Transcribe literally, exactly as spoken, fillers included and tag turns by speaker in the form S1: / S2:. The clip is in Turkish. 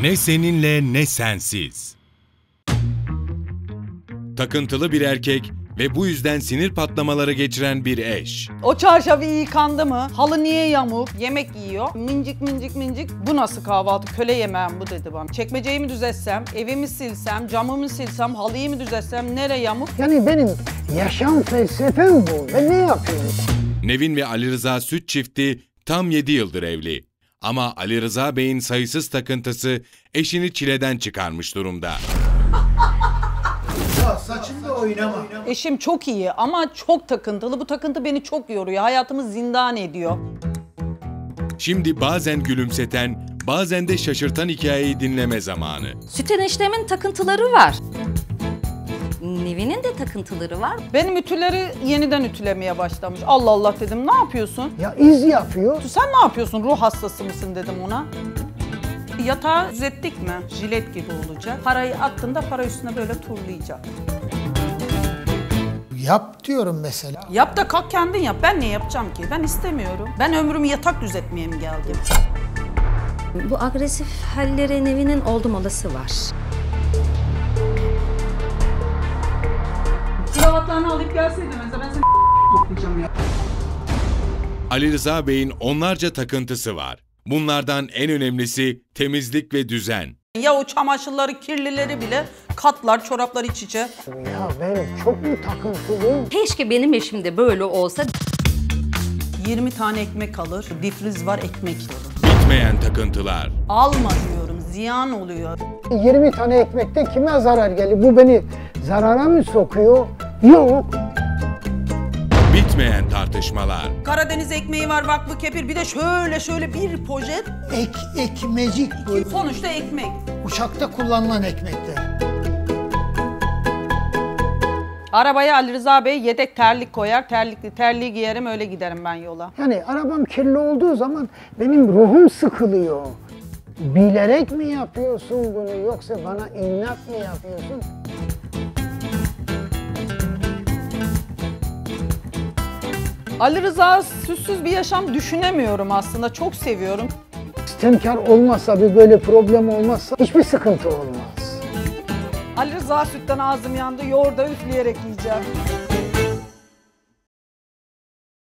S1: Ne seninle ne sensiz. Takıntılı bir erkek ve bu yüzden sinir patlamaları geçiren bir eş.
S2: O çarşafı iyi yıkandı mı? Halı niye yamuk? Yemek yiyor. Mincik mincik mincik. Bu nasıl kahvaltı? Köle yemeğim bu dedi bana. Çekmeceyi mi düzetsem, evimi silsem, camımı silsem, halıyı mı düzetsem, nere yamuk?
S3: Yani benim yaşam felsefem bu. Ben ne yapıyorum?
S1: Nevin ve Ali Rıza Süt çifti tam yedi yıldır evli. Ama Ali Rıza Bey'in sayısız takıntısı eşini çileden çıkarmış durumda.
S3: Ya saçımda oynama.
S2: Eşim çok iyi ama çok takıntılı. Bu takıntı beni çok yoruyor. Hayatımı zindan ediyor.
S1: Şimdi bazen gülümseten, bazen de şaşırtan hikayeyi dinleme zamanı.
S4: Süt eniştemin takıntıları var. Nevin'in de takıntıları var.
S2: Benim ütüleri yeniden ütülemeye başlamış. Allah Allah dedim, ne yapıyorsun?
S3: Ya iz yapıyor.
S2: Sen ne yapıyorsun? Ruh hastası mısın dedim ona. Yatağı düzelttik mi? Jilet gibi olacak. Parayı attığında para üstüne böyle turlayacak.
S3: Yap diyorum mesela.
S2: Yap da kalk kendin yap. Ben ne yapacağım ki? Ben istemiyorum. Ben ömrümü yatak düzeltmeye mi geldim?
S4: Bu agresif halleri Nevin'in oldum olası var.
S2: Kravatlarını alıp gelseydin mesela ben seni toplayacağım ya.
S1: Ali Rıza Bey'in onlarca takıntısı var. Bunlardan en önemlisi temizlik ve düzen.
S2: Ya o çamaşırları, kirlileri bile katlar, çoraplar iç içe.
S3: Ya ben çok mu takıntılıyım?
S4: Keşke benim eşim de böyle olsa.
S2: yirmi tane ekmek alır, difriz var ekmek olur.
S1: Bitmeyen takıntılar.
S2: Alma diyorum, ziyan oluyor.
S3: yirmi tane ekmekte kime zarar geliyor? Bu beni zarara mı sokuyor? Yok.
S1: Bitmeyen tartışmalar.
S2: Karadeniz ekmeği var, vakfı kefir, bir de şöyle şöyle bir poşet.
S3: Ek, ekmecik bu.
S2: Sonuçta ekmek.
S3: Uçakta kullanılan ekmekler.
S2: Arabaya Ali Rıza Bey yedek terlik koyar, terlikli terliği giyerim, öyle giderim ben yola.
S3: Yani arabam kirli olduğu zaman benim ruhum sıkılıyor. Bilerek mi yapıyorsun bunu yoksa bana inat mı yapıyorsun?
S2: Ali Rıza süssüz bir yaşam düşünemiyorum aslında, çok seviyorum.
S3: İstemkar olmazsa, bir böyle problem olmazsa hiçbir sıkıntı olmaz.
S2: Ali Rıza sütten ağzım yandı, yoğurda üfleyerek yiyeceğim.